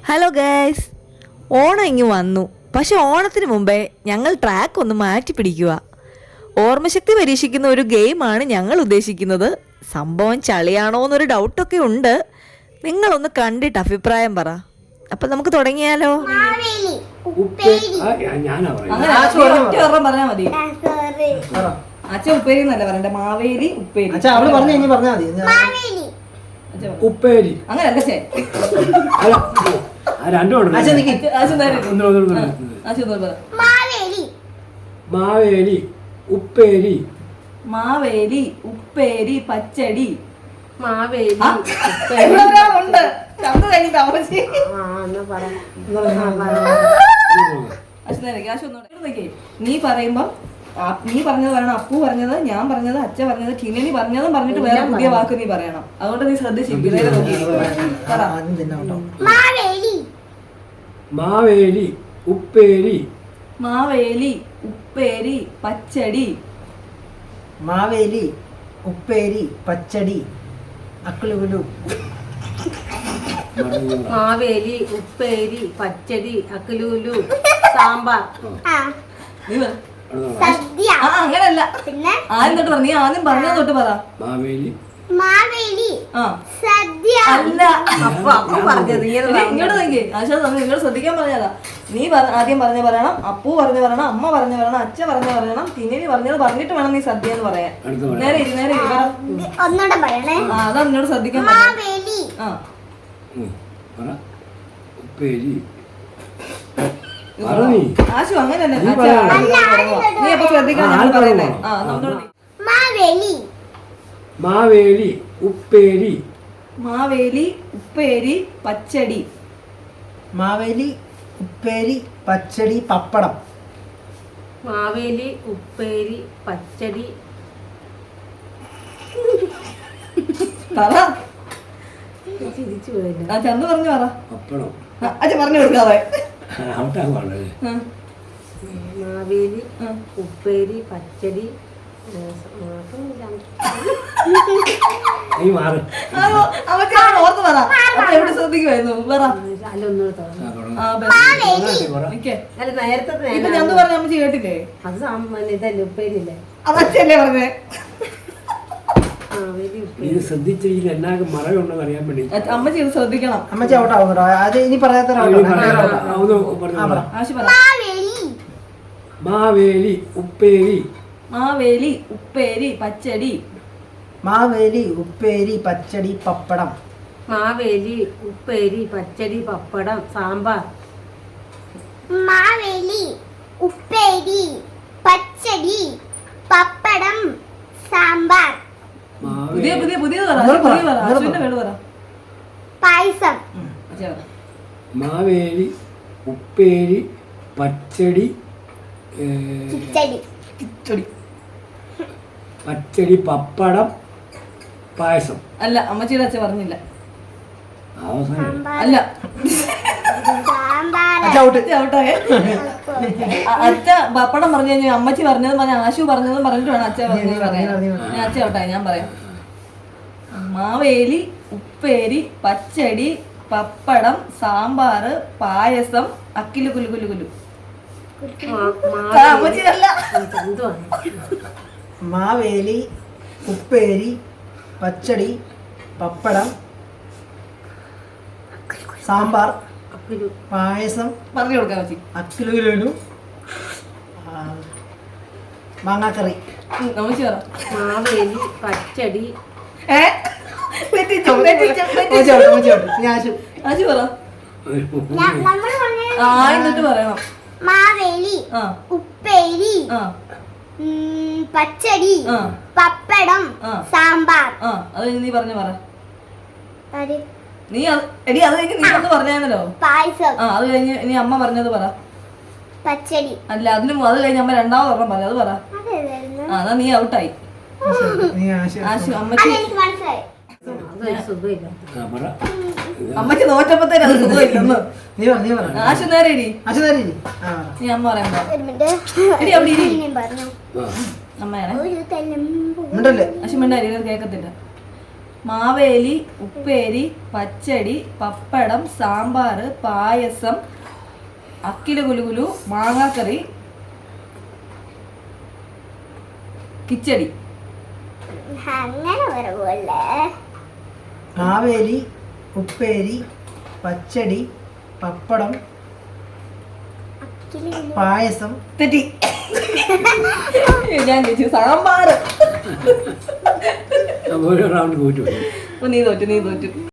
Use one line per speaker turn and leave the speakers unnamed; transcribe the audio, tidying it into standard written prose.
Hello guys, Onam ഇങ്ങ് വന്നു. പക്ഷെ ഓണത്തിന് മുമ്പേ ഞങ്ങൾ ട്രാക്ക് ഒന്ന് മാറ്റി പിടിക്കുക. ഓർമ്മശക്തി പരീക്ഷിക്കുന്ന ഒരു ഗെയിമാണ് ഞങ്ങൾ ഉദ്ദേശിക്കുന്നത്. സംഭവം ചളിയാണോ എന്നൊരു ഡൗട്ടൊക്കെ ഉണ്ട്. നിങ്ങളൊന്ന് കണ്ടിട്ട് അഭിപ്രായം പറ. അപ്പം നമുക്ക് തുടങ്ങിയാലോ? പറഞ്ഞാൽ മതി. അച്ഛൻ ഉപ്പേരി എന്നല്ല പറയണ്ട, മാവേലി ഉപ്പേരി.
ഉപ്പേരി
അങ്ങനല്ല ചേ.
മാവേലി ഉപ്പേരി.
മാവേലി ഉപ്പേരി പച്ചടി.
മാവേലി
ഉണ്ട്. നീ പറയുമ്പം നീ പറഞ്ഞത് പറയണം, അപ്പു പറഞ്ഞത്, ഞാൻ പറഞ്ഞത്, അച്ഛ പറഞ്ഞത്, കിനനി പറഞ്ഞതും പറഞ്ഞിട്ട് വേറെ പുതിയ വാക്ക് നീ പറയണം. അതുകൊണ്ട് നീ ശ്രദ്ധിച്ചിരിക്കും.
മാവേലി ഉപ്പേരി.
മാവേലി ഉപ്പേരി പച്ചടി.
മാവേലി ഉപ്പേരി പച്ചടി അക്കുലുകുലു.
മാവേലി ഉപ്പേരി പച്ചടി അക്കലൂലു സാമ്പാർ.
അങ്ങനല്ല, ആദ്യം തൊട്ട് പറ. നീ ആദ്യം പറഞ്ഞത് തൊട്ട് പറ.
മാവേലി
അല്ല, ഇങ്ങോട്ട് നോക്കി. ഇങ്ങോട്ട് ശ്രദ്ധിക്കാൻ പറഞ്ഞതാ. നീ ആദ്യം പറഞ്ഞ പറയണം, അപ്പു പറഞ്ഞു പറയണം, അമ്മ പറഞ്ഞു പറയണം, അച്ഛ പറഞ്ഞു പറയണം, തിന്നിനി പറഞ്ഞത് പറഞ്ഞിട്ട് വേണം നീ സദ്യ എന്ന് പറയാൻ. നേരെ അതാ നിന്നോട് ശ്രദ്ധിക്കാൻ
ഉപ്പേരി.
ആശു അങ്ങനല്ലേ. നീ അപ്പൊ ശ്രദ്ധിക്കണം പറയുന്നേ.
മാവേലി ഉപ്പേരി.
മാവേലി ഉപ്പേരി പച്ചടി.
മാവേലി ഉപ്പേരി പച്ചടി പപ്പടം.
മാവേലി ഉപ്പേരി പച്ചടി
ചന്ത പറഞ്ഞു പറ.
പപ്പടം
അച്ഛൻ പറഞ്ഞു കൊടുക്കാതെ.
മാവേലി ഉപ്പേരി പച്ചടി
ഓർത്ത് പറ. എവിടെ ശ്രദ്ധിക്കുമായിരുന്നു പറ.
അല്ല നേരത്തെ
ചന്ത പറഞ്ഞ അമ്മച്ചി കേട്ടില്ലേ?
അത് ഇതല്ലേ ഉപ്പേരില്ലേ?
അതല്ലേ പറഞ്ഞേ.
ഇത് ശ്രദ്ധിച്ചില്ല, എന്നാകെ മറയുണ്ടെന്ന് അറിയാൻ വേണ്ടി
അമ്മച്ചി ഇത് ശ്രദ്ധിക്കണം.
അമ്മച്ചി ഔട്ടാവുന്നുണ്ടോ? അത് ഇനി പറയാത്ത
മാവേലി ഉപ്പേരി.
മാവേലി ഉപ്പേരി പച്ചടി.
മാവേലി ഉപ്പേരി പച്ചടി പപ്പടം.
മാവേലി ഉപ്പേരി പച്ചടി പപ്പടം സാമ്പാർ.
മാവേലി ഉപ്പേരി പച്ചടി പപ്പടം സാമ്പാർ.
പുതിയ പുതിയ
പായസം.
മാവേലി ഉപ്പേരി പച്ചടി പച്ചടി പപ്പടം പായസം.
അല്ല, അമ്മച്ചിയുടെ അച്ഛൻ പറഞ്ഞില്ല.
അവസാനം
അല്ല, അച്ഛ പപ്പടം പറഞ്ഞു കഴിഞ്ഞാൽ അമ്മച്ചി പറഞ്ഞതും പറഞ്ഞ ആശു പറഞ്ഞതും പറഞ്ഞിട്ട് വേണം അച്ഛ പറഞ്ഞത് പറയാൻ. ഞാൻ അച്ഛ ഔട്ടായി, ഞാൻ പറയാം. മാവേലി ഉപ്പേരി പച്ചടി പപ്പടം സാമ്പാർ പായസം അക്കിലു കുലു കുലു കുലു.
മാവേലി ഉപ്പേരി പച്ചടി പപ്പടം സാമ്പാർ പായസം.
പറഞ്ഞു കൊടുക്കാൻ മച്ചി.
അക്കിലുകുലു മാങ്ങാക്കറി.
അമ്മച്ചി പറ.
മാവേലി പച്ചടി
ആശു പറ. എന്നിട്ട് പറയണം.
മാവേലി ഉപ്പേരി പച്ചടി പപ്പടം സാമ്പാർ.
അത് നീ പറഞ്ഞു പറ. നീ എടി അത് കഴിഞ്ഞ് നീ ഒന്ന് പറഞ്ഞായിരുന്നല്ലോ
പായസം.
അത് കഴിഞ്ഞ് ഇനി അമ്മ പറഞ്ഞത് പറ.
പച്ചടി.
അല്ല, അതിന് അത് കഴിഞ്ഞ് അമ്മ രണ്ടാമത് ഒരെണ്ണം പറഞ്ഞു, അത് പറ. അതാ നീ ഔട്ടായി. ആശു അമ്മച്ചി അമ്മച്ചി നോറ്റപ്പത്തേന് അത് സുഖമില്ലെന്ന്. ആശു നേരെ ഇരി. നീ അമ്മ പറയുമ്പോ എടി അവിടെ ഇരി. അമ്മയാണ് ആശു മിണ്ടായി കേക്കത്തില്ല.
മാവേലി ഉപ്പേരി പച്ചടി പപ്പടം സാമ്പാർ പായസം അക്കില് കുലുകുലു മാങ്ങാക്കറി കിച്ചടി.
അങ്ങനെ പറയുമല്ലേ.
മാവേലി ഉപ്പേരി പച്ചടി പപ്പടം പായസം.
തെറ്റി. ഞാൻ ചോദിച്ചു സാമ്പാർ.
ഓരോ റൗണ്ട് പോയിട്ട് വരും.
നീ തോറ്റു